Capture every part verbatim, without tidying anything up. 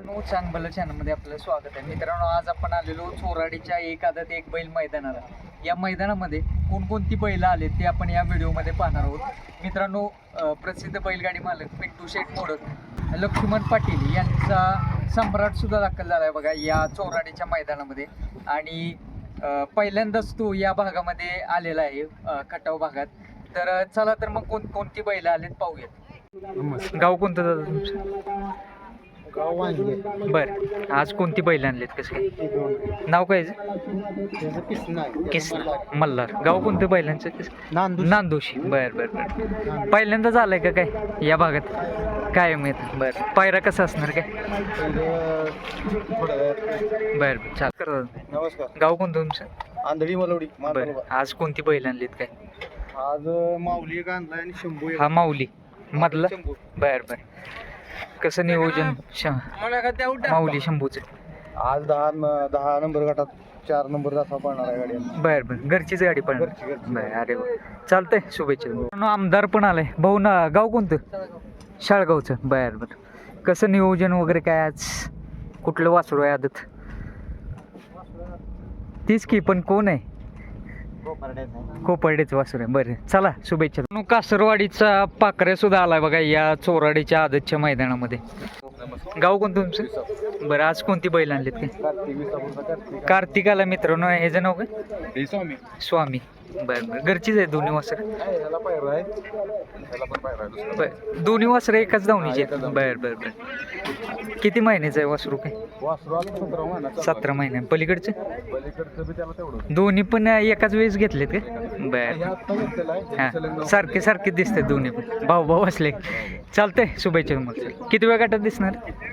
चांगलं चॅनलमध्ये आपलं स्वागत आहे मित्रांनो. आज आपण आलेलो चोराडीच्या एक आदत एक बैल मैदानाला. या मैदानामध्ये कोणकोणती बैलं आले ते आपण या व्हिडिओमध्ये पाहणार आहोत मित्रांनो. प्रसिद्ध बैलगाडी मालक पिंटू शेठ मोडक, लक्ष्मण पाटील यांचा सम्राट सुद्धा दाखल झाला आहे बघा या चोराडीच्या मैदानामध्ये. आणि पहिल्यांदाच तो या भागामध्ये आलेला आहे खटाव भागात. तर चला तर मग कोण कोणती बैलं आलेत पाहूयात. गाव कोणतं दादा तुमचं? गाव वांगे. बरं, आज कोणती बैल आणलेत कसं काय? नाव काय किसना किसना मल्हार. गाव कोणतं बैलांचं? नांदू नांदोशी. बरं बरं बरं. पहिल्यांदाच आलाय का काय या भागात? काय माहित. बरं, पायरा कसा असणार काय? बरं बरं चाल कर. नमस्कार. गाव कोणतं तुमचं? आंधळी मलवडी. बरं, आज कोणती बैल आणलीत काय? आज माऊली एक आणलाय आणि शंभू एक. हा माऊली मधला. शंभू. बरं बरं. कसं नियोजन माऊली शंभूचं? आज दहा दहा नंबर गटात चार नंबर तासा पडणार आहे गाडी. बरं बरं. घरचीच गाडी पण. घरची घरची. बरं, अरे वा, चालतंय. शुभेच्छा. आमदार पण आलाय भाऊ ना. गाव कोणतं? शाळगावचं. बरं बरं. कसं नियोजन वगैरे काय आज? कुठलं वासरू आहे आदत? तीच की, पण कोण आहे? कोपर्डेच वासरू आहे. बरं चला, शुभेच्छा. कासरवाडीचा पाकऱ्या सुद्धा आलाय बघा या चोराडीच्या आदतच्या मैदानामध्ये. गाव कोणतं तुमचं? बरं, आज कोणती बैल आणलीत काय? कार्तिकाला मित्रांनो. ह्याचं नाव काय? स्वामी. स्वामी. बरं बरं. घरचीच आहे दोन्ही वासर? बरं, दोन्ही वासर एकाच धावणीचे आहेत. बरं बरं बरं. किती महिन्याचं आहे वासरू काय? सतरा महिने. पलीकडचे दोन्ही पण एकाच वेळेस घेतलेत का? बरं. हां, सारखे सारखे दिसतात दोन्ही पण. भाऊ भाऊ असले. चालतंय, शुभेच्छा तुम्हाला. किती वेळ गटात दिसणार?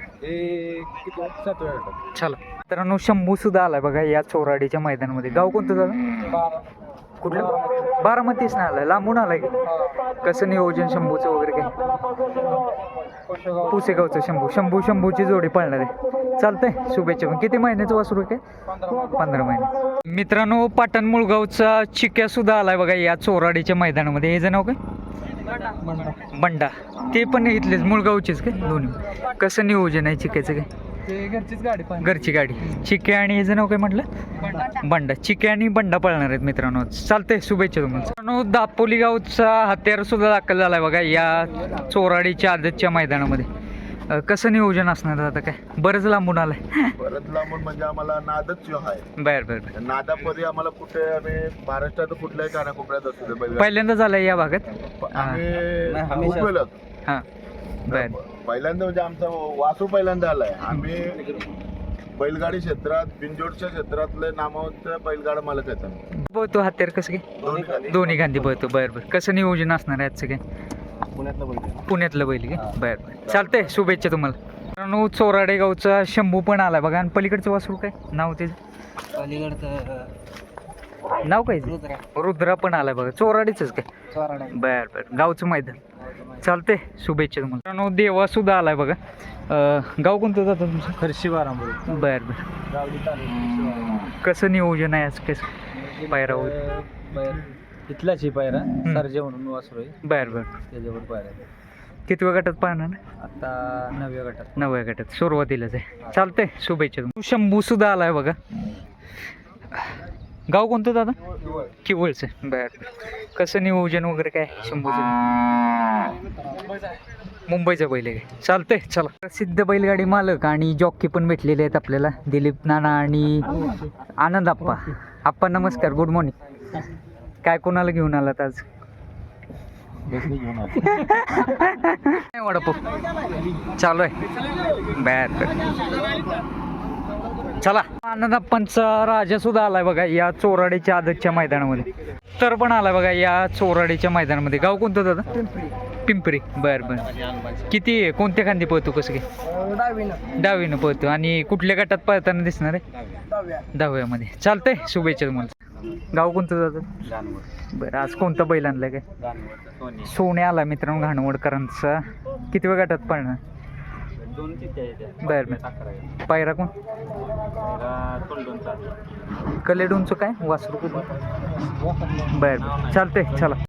चला मित्रांनो, शंभू सुद्धा आलाय बघा या चोराडीच्या मैदानामध्ये. गाव कोणतं झालं? कुठलं? बारामतीच नाही आलाय, लांबून आलाय की. कसं नियोजन शंभूचं वगैरे काय? पुसेगावचं शंभू. शंभू शंभूची जोडी पळणार आहे. चालतंय, शुभेच्छा. पण किती महिन्याचं वासरू काय? पंधरा महिने. मित्रांनो, पाटण मुळगावचा चिक्या सुद्धा आलाय बघा या चोराडीच्या मैदानामध्ये. हे जे नाव काय? बंडा. ते पण इथलेच मुळगावचेच काय दोन्ही? कसं नियोजन आहे चिक्याचं काय? घरचीच गाडी. घरची गाडी. चिक्या आणि याचं नाव काय म्हटलं? बंडा. चिक्या आणि बंडा पळणार आहेत मित्रांनो. चालतंय, शुभेच्छा तुम्हाला. मित्रांनो, दापोली गावचा हत्यार सुद्धा दाखल झालाय बघा या चोराडीच्या आदतच्या मैदानामध्ये. कसं नियोजन असणार आता काय? बरंच लांबून आलाय. परत लांबून म्हणजे आम्हाला नादच जो आहे. बरं बरं. नादामध्ये आम्हाला कुठे आम्ही महाराष्ट्रात कुठल्याही कानाकोपऱ्यात असतो बैल. पहिल्यांदा झालाय या भागात? आम्ही उपयोगात. हां, बरं. पहिल्यांदा म्हणजे आमचा वासू पहिल्यांदा आलाय. आम्ही बैलगाडी क्षेत्रात, बिनजोडच्या क्षेत्रातले नामवंत बैलगाडा मालक आहेत. पळतो हत्यार कसं काय? दोन्ही गांधी पळतो. बरं बरं. कसं नियोजन असणार आहे आजचं काय? पुण्यातलं बैल. पुण्यातलं बैल काय? बरं बरं. चालतंय, शुभेच्छा तुम्हाला. मित्रांनो, चोराडे गावचा शंभू पण आलाय बघा. आणि पलीकडचं वासरू काय नाव त्याचं? पलीकडचं नाव काय? रुद्रा पण आलाय बघा. चोराडीच काय? बरं बरं. गावचं मैदान. चालतंय, शुभेच्छा तुम्हाला. मित्रांनो, देवा सुद्धा आलाय बघा. गाव कोणतं जातं तुमचं? खर्शी बारामती. बरं बरं. कसं नियोजन आहे आज? कसं पायरा वगैरे? इथलाच ही पायरा सरजे म्हणून वासरू आहे. बरं बरं. त्याच्यावर पायरा. किती वेळ गटात पाहणार? आता नवव्या गटात. नवव्या गटात सुरुवातीलाच आहे. चालतंय, शुभेच्छा तुम्हाला. शंभू सुद्धा आलाय बघा. गाव कोणतं दादा? किवळचं. बरं. कसं नियोजन वगैरे काय शंभूचं? मुंबईचा बैल आहे. चालतंय, चला. प्रसिद्ध बैलगाडी मालक आणि जॉकी पण भेटलेले आहेत आपल्याला. दिलीप नाना आणि आनंद आप्पा. आप्पा नमस्कार, गुड मॉर्निंग. काय कोणाला घेऊन आलात आज? वडापाव चालू आहे. बर, चला. आनंदाप्पांचा राजा सुद्धा आलाय बघा या चोराडीच्या आदतच्या मैदानामध्ये. तर पण आलाय बघा या चोराडीच्या मैदानामध्ये. गाव कोणतं दादा? पिंपरी. बर बर. किती कोणत्या खांदी पळतो कसं काय? डावीनं. डावीनं पळतो. आणि कुठल्या गटात पळताना दिसणार आहे? दहाव्यामध्ये. चालतंय, शुभेच्छा तुम्हाला. गाव कोणतं दादा? बरं, आज कोणता बैल आणलाय काय? सोने आला मित्रांनो घाणवडकरांचा. किती वेळ गटात पळणार? बर बर. पायरा कोण? कलेडूनचं काय वासरू? बर बर. चालतंय, चला.